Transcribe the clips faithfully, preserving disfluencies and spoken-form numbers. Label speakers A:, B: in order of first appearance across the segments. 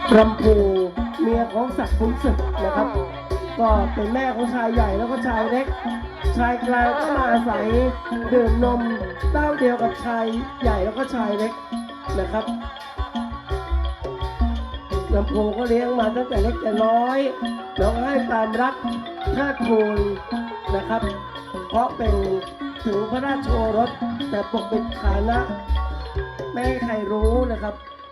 A: รำพูเมียของศักดิ์ขุนศึกนะครับก็เป็นแม่ของชายใหญ่แล้วก็ชายเล็กชายกลางก็มาอาศัยดื่มนมเต้าเดียวกับชายใหญ่แล้วก็ชายเล็กนะครับลำพูก็เลี้ยงมาตั้งแต่เล็กแต่น้อยแล้วก็ให้ความรักเทิดทูนนะครับเพราะเป็นถึงพระราชโอรสแต่ปกปิดฐานะไม่ให้ใครรู้นะครับ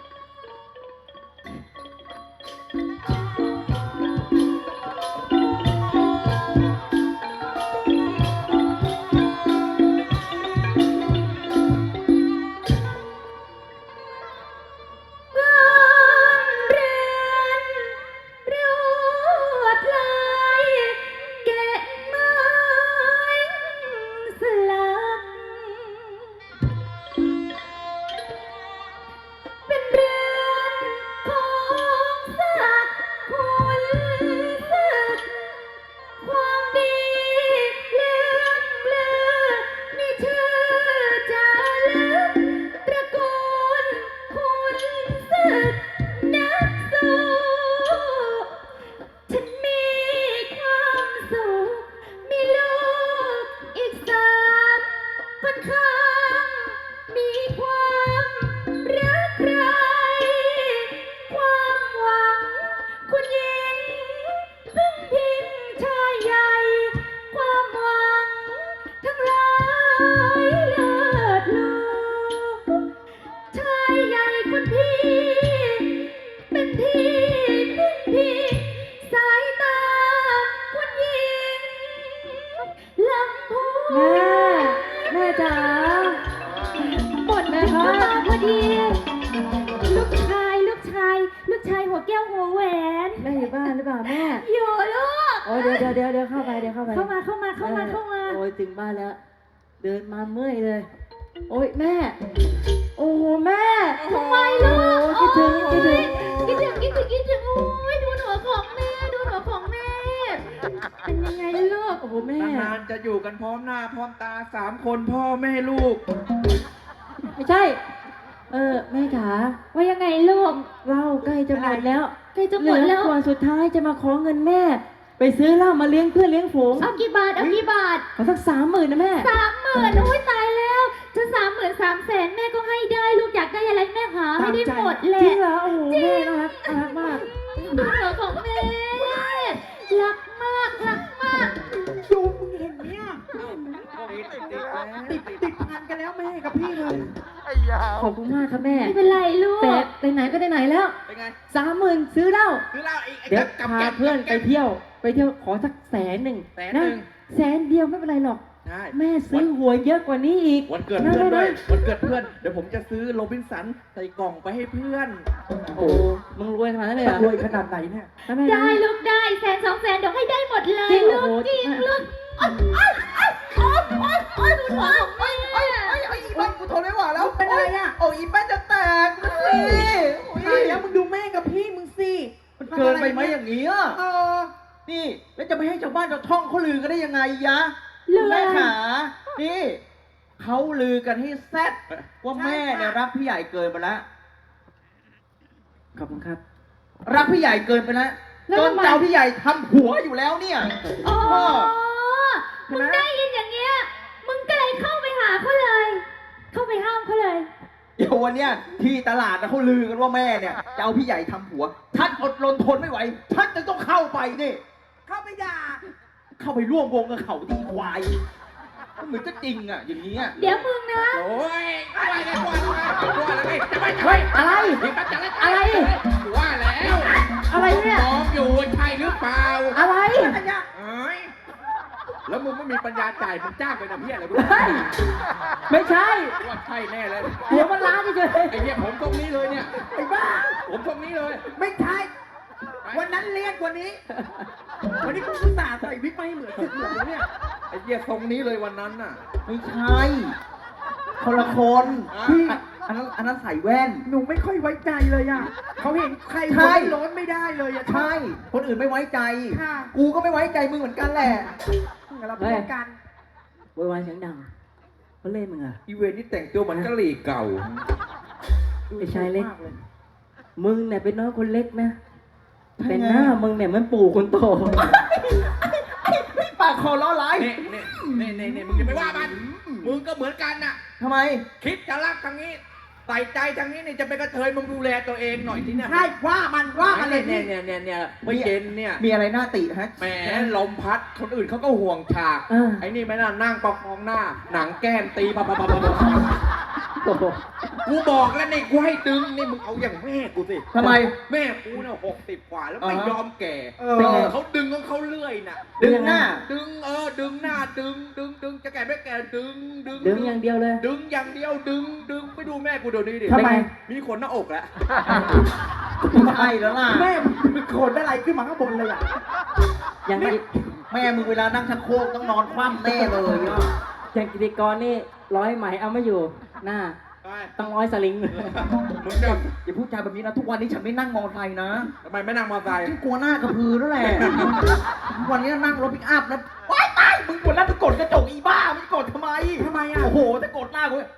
A: เดี๋ยวเดี๋ยวเดี๋ยวเข้าไปเดี๋ยวเข้าไปเข้ามาเข้ามาเข้ามาเข้ามาโอ้ยถึงบ้านแล้วเดินมาเมื่อยเลยโอ้ยแม่โอ้แม่ทำไมล่ะคิดถึงคิดถึงคิดถึงคิดถึงคิดถึงโอ้ยดูหนูของแม่ดูหนูของแม่เป็นยังไงลูกโอ้โหแม่
B: นานๆจะอยู่กันพร้อมหน้าพร้อมตาสามคนพ่อแม่ลูก
A: ไม่ใช่เออแม่จ๋า
C: ว่ายังไงลูก
A: เหล้าใกล้จะหมดแล้ว
C: ใกล้จะหมดแล้ว
A: ก่อนสุดท้ายจะมาขอเงินแม่ไปซื้อเหล้ามาเลี้ยงเพื่อนเลี้ยงฝูง
C: เอากี่บาทเอากี่บาท
A: ขอสักสามหมื่นนะแม่
C: สามหมื่นโอ้ยตายแล้วจะสามหมื่นสามแสนแม่ก็ให้ได้ลูกอยากได้อะไรแม่หาให้ได้หมดเลย
A: จริงเหรอโอ้โหแม่น่ารักน่ารักมาก
C: ดูเหนือของแม่รักมากรักมาก
B: ดูมึงเห็นเนี่ยติดติดงานกันแล้วแม่กับพี่เลย
A: ขอบคุณมากครับแม่
C: ไม่เป็นไรลูก
A: แต่ไปไหนก็ได้ไหนแล้วสามหมื่นซื้อเหล้า
B: ซื้อเหล้า
A: เดี๋ยวพาเพื่อนไปเที่ยวไปเที่ยวขอสักแสนหนึ่ง
B: แสนหนึ่ง
A: แสนเดียวไม่เป็นไรหรอกแม่ซื้อหวยเยอะกว่านี้อีก
B: วันเกิดเพื่อนด้วยวันเกิดเพื่อนเดี๋ยวผมจะซื้อโรบินสันใส่กล่องไปให้เพื่อน
A: โอ้มึงรวยขนาดนั้นเลยเหรอ
B: รวยขนาดไหนเนี่ย
C: ได้ลูกได้แสนสองแสนเดี๋ยวให้ได้หมดเลยลูกจริงลูกโอ๊ยโอ๊ยโอ๊ยโอ๊ยโอ๊ยโอ๊ยโอ๊ยโอ๊ยโอ๊ยโอ๊ย
B: อีแป้งกูทนไม่ไหวแล้วเป็นอะไรอ่ะโอ้อีแป้งจะแตกสิตายแล้วมึงดูแม่กับพี่มึงสิมันเกินไปไหมอย่างนี้อ่ะนี่แล้วจะไม่ให้ชาวบ้านชาวช่องเขาลือกันได้ยังไงยะแม่ขานี่เขาลือกันให้แซ่ดว่าแม่เนี่ยรักพี่ใหญ่เกินไปแล้ว
A: ขอบคุณครับ
B: รักพี่ใหญ่เกินไปแล้วจนเจ้าพี่ใหญ่ทำหัวอยู่แล้วเนี่ย
C: อ๋อมึงได้ยินอย่างเงี้ยมึงก็เลยเข้าไปหาเขาเลยเข้าไปห้ามเขาเลย
B: เดี๋ยววันเนี้ยที่ตลาดนะเขาลือกันว่าแม่เนี่ยจะเอาพี่ใหญ่ทำหัวทัดอดรนทนไม่ไหวทัดจะต้องเข้าไปนี่เข้าไปด่าเข้าไปร่วมวงกับเขาดีควายเหมือนจะจริงอ่ะอย่างนี้อ่ะ
C: เดี๋ยวมึงนะ
B: โอ้ยอะไรเนี่ยว่าอะไรจะไป
A: เฮ้ยอะไรอะไร
B: ว่าแล้ว
A: อะไรเนี่ย
B: มองอยู่ใช่หรือเปล่า
A: อะไร
B: เอ้ยแล้วมึงไม่มีปัญญาจ่ายมึงจ้างไปนะพี่อะไรมึง
A: ไม่ใช่
B: ว่าใช่แน่เลย
A: เดี๋ยวมันล้านเฉย
B: ไอ้เนี่ยผมตรงนี้เลยเนี่ย
A: ไอ้บ้า
B: ผมตรงนี้เลย
A: ไม่ใช่
B: วันนั้นเรียกวันนี้วันนี้กูอุตส่าห์ใส่วิกไม่เหมือนสุดเหมือนเนี่ยไอ้เนี่ยทรงนี้เลยวันนั้นน่ะ
A: ไม่ใช่คนละคนพี่อันนั้นอันนั้นใส่แว่น
B: หนูไม่ค่อยไว้ใจเลยอ่ะเขาเห็นใครคนร้อนไม่ได้เลยอ่ะ
A: ใช่คนอื่นไม่ไว้ใจกูก็ไม่ไว้ใจมึงเหมือนกันแหละ
B: เราพูดกัน
A: วายวายเสียงดังเขาเล่นมึงอ่ะ
B: อีเวนนี่แต่งตัวเหมือนกะหรี่เก่า
A: ไอ้ชายเล็กมึงเนี่ยเป็นน้องคนเล็กนะแต่หน้ามึงเนี่ยมันปู่คนโต
B: ปากคอล้อร้าย
D: นี่นี่นี่นี่มึงอย่าไปว่ามัน มึงก็เหมือนกันน่ะ
B: ทำไม
D: คิดจะรักทางนี้ ใส่ใจทางนี้นี่จะเป็นกระเทยมึงดูแลตัวเองหน่อยทีเนี่ย
B: ใช่ว่ามันว่ามันเลย
D: เนี่
B: นี่
D: ยเนี่ยเนี่ยเนี่ยไม่เย็นเนี่ย
B: มีอะไรน่าติฮะ
D: แหมลมพัดคนอื่นเขาก็ห่วงฉาก
A: เออ
D: ไอ้นี่ไม่น่านั่งประคองหน้า หนังแก้มตีปะปะปะปะปะ
A: โอ้โห
D: กูบอกแล้วนี่กูให้ดึงนี่มึงเอาอย่างแม่กูสิ
B: ทำไม
D: แม่กูเนี่ยหกสิบกว่าแล้วไม่
B: อ่าฮะ
D: ยอมแก่
B: เออ
A: เป็นไง
D: เขาดึงของเขาเรื่อยน่ะ
B: ดึงหน้า
D: ดึงเออดึงหน้าดึงดึงดึงจะแก่ไม่แก่ดึงดึง
A: ดึงอย่างเดียวเลย
D: ดึงอย่างเดียวดึงดึงไปดูแม่กูเดี๋ยวนี้ดิ
B: ทำไม
D: มีขนหน้าอกแล้ว
B: ไม่ใช่แล้วล่ะ
E: แม่มึงโขนอะไรขึ้นมาข้างบนเลยอ่ะ
A: อย่างกิ
B: แม่มึงเวลานั่งชักโครกต้องนอนคว่ำแน่เลยอ่ะ
A: อย่างกิติกรนี่ร้อยไหมเอาไม่อยู่ หน้า
D: ไป
A: ต้องร้อยสลิง
D: มึงจะ
B: อย่าพูดจาแบบนี้นะทุกวันนี้ฉันไม่นั่งมอเตอร์ไซค์นะ
D: ทำไมไม่นั่งมอเตอร์ไซค์
B: ฉันกลัวหน้ากระพือนั่นแหละ ทุกวันนี้นั่งรถปิกอัพนะว้ายตายมึงกดแล้วจะกดกระจกอีบ้ามึงจะกดทำไม
E: ทำไมอ่ะ
B: โอ้โหจะกดหน้ากู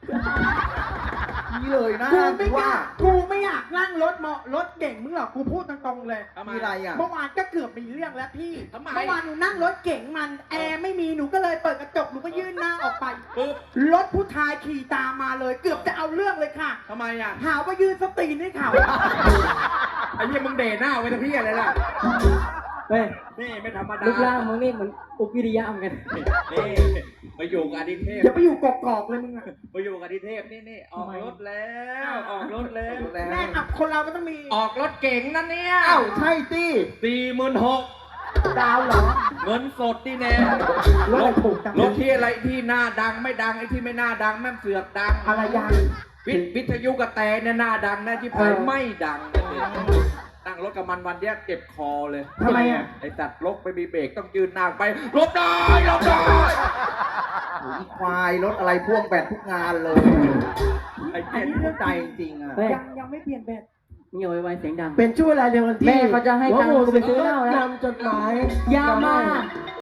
B: นี่เลยนะ
E: กูไม่ก
B: ว่า
E: ล้ากูไม่อยากนั่งรถมอรถเก่งมึงหรอก กูพูดตรงๆเลย
D: ทำไม
B: มีอะไรอ่ะ
E: เมื่อวานก็เกือบมีเรื่องแล้วพี่
D: ทำไม
E: เมื่อวานหนูนั่งรถเก่งมันแอร์ไม่มีหนูก็เลยเปิดกระจกหนูก็ยื่นหน้าออกไป
D: ปึ๊บ
E: รถผู้ชายขี่ตามมาเลย เกือบจะเอาเรื่องเลยค่ะ
D: ทำไมอ่ะ
E: หาว่ายืนสตรีนให้เขา
D: ไอ้เหี้ยมึงเดหน้าไว้ทำพี่อะไรล่ะ
A: เฮ้ย
D: นี่ไม่ธรรมดา
A: รูปร่างมึงนี่เหมือนอุปวิริยะเหมือนกัน
D: นี่มาอยู่กับอดิเทพ
E: อย่าไปอยู่กอกๆเลยมึงอะ
D: มาอยู่กับอดิเทพนี่นี่ออกรถแล้วออกรถแล้ว
E: แม่อับคนเรามันต้องมี
D: ออกรถเก่งนั่นเนี่ย
B: อ้าวใช่สิ
D: สี่หมื่นหก
E: ดาวเหรอ
D: เงินสดที่แน่
E: รถอะไรถูกจัง
D: รถที่อะไรที่หน้าดังไม่ดังไอ้ที่ไม่น่าดังแม่งเสือกดัง
E: อะไรยัง
D: วิทวิทยุกระแตเนี่ยหน้าดังนะที่
E: เอ
D: ไป
E: อ
D: ไม่ดังนั่งรถกับมันวันเนี้ยเจ็บคอเลย
E: ทำไมอ่ะ
D: ไอ้ตัดรถไปมีเบรกต้องยืนนางไปหลบได้หลบได้
B: โอ้ยอีควายรถอะไรพ่วงแบตทุกงานเลย
D: ไอ้
B: ไอ้
D: เจ็บ
B: นี่เข้าใจจริงๆอ่ะ
A: เฮ้ย
E: ยังยังไม่เปลี่ยนแบบ
A: มึงอย่าไวๆเสียงดัง
E: เป็นช่วงเวลาเดียวกันที่
A: แม่เขาจะให้ตังค์กูไปซื้อเหล้าแล้ว
E: นำจดหมาย
A: อย่ามา